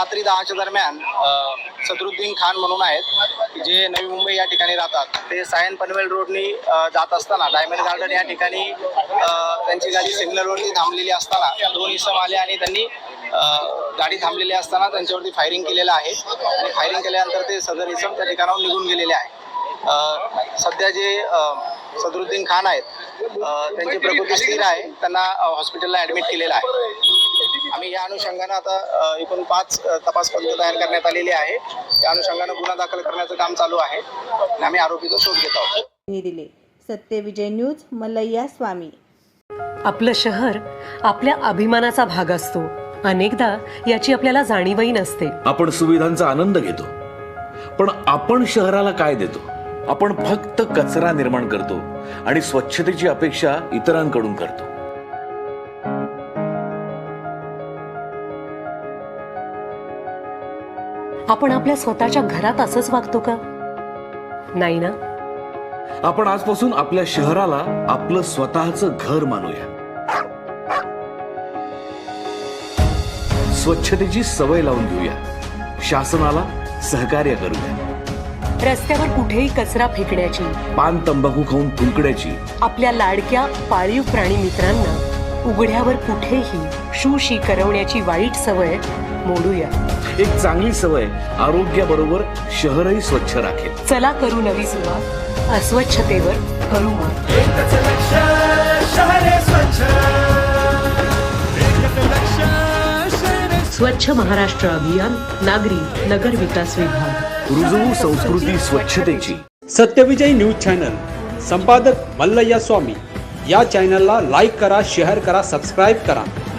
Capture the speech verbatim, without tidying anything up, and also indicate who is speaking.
Speaker 1: रात्री दहाच्या दरम्यान सदरुद्दीन खान म्हणून आहेत जे नवी मुंबई या ठिकाणी राहतात. ते सायन पनवेल रोडनी जात असताना डायमंड गार्डन या ठिकाणी त्यांची गाडी सिग्नलवरती थांबलेली असताना दोन इसम आले आणि त्यांनी गाडी थांबलेली असताना त्यांच्यावरती फायरिंग केलेलं आहे आणि फायरिंग केल्यानंतर ते सदर इसम त्या ठिकाणाहून निघून गेलेले आहे. सध्या जे सदरुद्दीन खान आहेत त्यांची प्रकृती स्थिर आहे, त्यांना हॉस्पिटलला ॲडमिट केलेलं आहे. आम्ही या अनुषंगानं आता एकूण पाच तपास पथकं तयार करण्यात आलेली आहे. त्या अनुषंगानं गुन्हा दाखल करण्याचं काम चालू आहे आणि आम्ही आरोपीचा शोध घेत आहोत.
Speaker 2: दिले सत्यविजय न्यूज मल्लय्या स्वामी.
Speaker 3: आपलं शहर आपल्या अभिमानाचा भाग असतो. अनेकदा याची आपल्याला जाणीवही नसते.
Speaker 4: आपण सुविधांचा आनंद घेतो, पण आपण शहराला काय देतो? आपण फक्त कचरा निर्माण करतो आणि स्वच्छतेची अपेक्षा इतरांकडून करतो.
Speaker 3: आपण आपल्या स्वतःच्या घरात असंच वागतो का? नाही ना.
Speaker 4: आपण आजपासून आपल्या शहराला आपलं स्वतःचं घर मानूया. स्वच्छतेची सवय लावून घेऊया. शासनाला सहकार्य करूया.
Speaker 3: रस्त्यावर कुठेही कचरा फेकण्याची, पान
Speaker 4: तंबाखू खाऊन थुंकण्याची,
Speaker 3: आपल्या लाडक्या पाळीव प्राणी मित्रांना उघड्यावर कुठेही शू शी करवण्याची वाईट सवय मोडूया.
Speaker 4: एक चांगली सवय आरोग्याबरोबर शहरही स्वच्छ राखेल.
Speaker 3: चला करू नवी सुरुवात. अस्वच्छतेवर करू मात. स्वच्छ महाराष्ट्र अभियान, नागरी नगर विकास विभाग.
Speaker 4: रुजवू संस्कृती स्वच्छतेची.
Speaker 5: सत्यविजय न्यूज चॅनल, संपादक मल्लय्या स्वामी. या चॅनलला लाईक करा, शेअर करा, सबस्क्राईब करा.